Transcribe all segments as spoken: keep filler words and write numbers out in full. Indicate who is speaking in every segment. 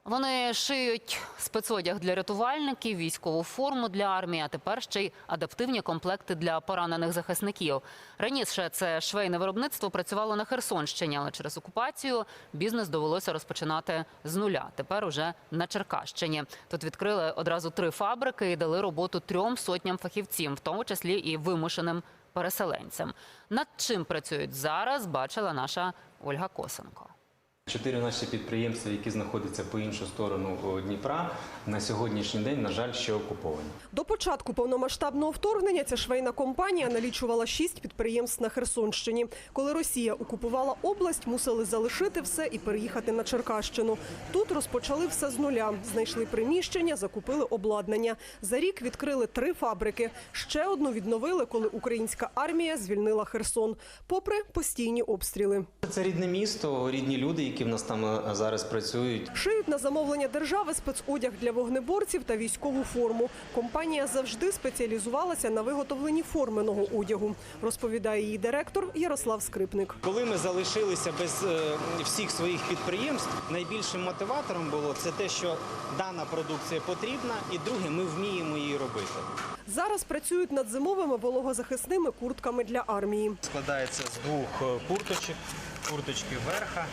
Speaker 1: Вони шиють спецодяг для рятувальників, військову форму для армії, а тепер ще й адаптивні комплекти для поранених захисників. Раніше це швейне виробництво працювало на Херсонщині, але через окупацію бізнес довелося розпочинати з нуля. Тепер уже на Черкащині. Тут відкрили одразу три фабрики і дали роботу трьом сотням фахівців, в тому числі і вимушеним переселенцям. Над чим працюють зараз, бачила наша Ольга Косенко.
Speaker 2: Чотири наші підприємства, які знаходяться по іншу сторону Дніпра, на сьогоднішній день, на жаль, ще окуповані.
Speaker 3: До початку повномасштабного вторгнення ця швейна компанія налічувала шість підприємств на Херсонщині. Коли Росія окупувала область, мусили залишити все і переїхати на Черкащину. Тут розпочали все з нуля. Знайшли приміщення, закупили обладнання. За рік відкрили три фабрики. Ще одну відновили, коли українська армія звільнила Херсон. Попри постійні обстріли.
Speaker 2: Це рідне місто, рідні люди, які в нас там зараз працюють.
Speaker 3: Шиють на замовлення держави спецодяг для вогнеборців та військову форму. Компанія завжди спеціалізувалася на виготовленні форменого одягу, розповідає її директор Ярослав Скрипник.
Speaker 4: Коли ми залишилися без е, всіх своїх підприємств, найбільшим мотиватором було це те, що дана продукція потрібна, і друге, ми вміємо її робити.
Speaker 3: Зараз працюють над зимовими вологозахисними куртками для армії.
Speaker 4: Складається з двох курточок, курточки верха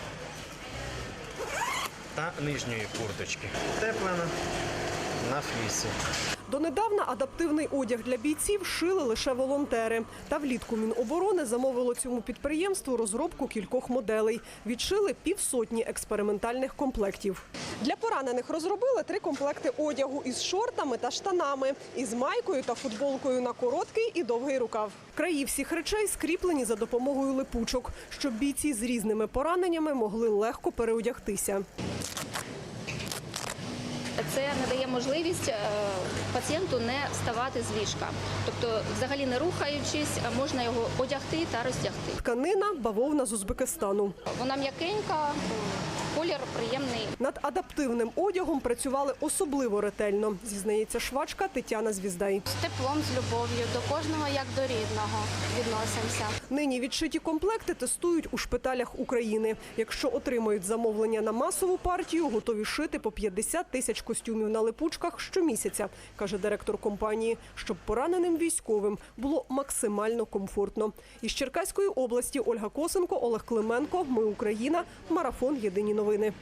Speaker 4: та нижньої курточки. Теплена на флісі.
Speaker 3: Донедавна адаптивний одяг для бійців шили лише волонтери. Та влітку Міноборони замовило цьому підприємству розробку кількох моделей. Відшили півсотні експериментальних комплектів. Для поранених розробили три комплекти одягу із шортами та штанами, із майкою та футболкою на короткий і довгий рукав. Краї всіх речей скріплені за допомогою липучок, щоб бійці з різними пораненнями могли легко переодягтися.
Speaker 5: Це надає можливість пацієнту не вставати з ліжка. Тобто, взагалі не рухаючись, можна його одягти та роздягти.
Speaker 3: Тканина – бавовна з Узбекистану.
Speaker 5: Вона м'якенька, колір приємний.
Speaker 3: Над адаптивним одягом працювали особливо ретельно, зізнається швачка Тетяна Звіздай.
Speaker 6: З теплом, з любов'ю, до кожного як до рідного відносимося.
Speaker 3: Нині відшиті комплекти тестують у шпиталях України. Якщо отримають замовлення на масову партію, готові шити по п'ятдесят тисяч костюмів на липучках щомісяця, каже директор компанії, щоб пораненим військовим було максимально комфортно. Із Черкаської області Ольга Косенко, Олег Клименко. Ми Україна. Марафон. Єдині новини.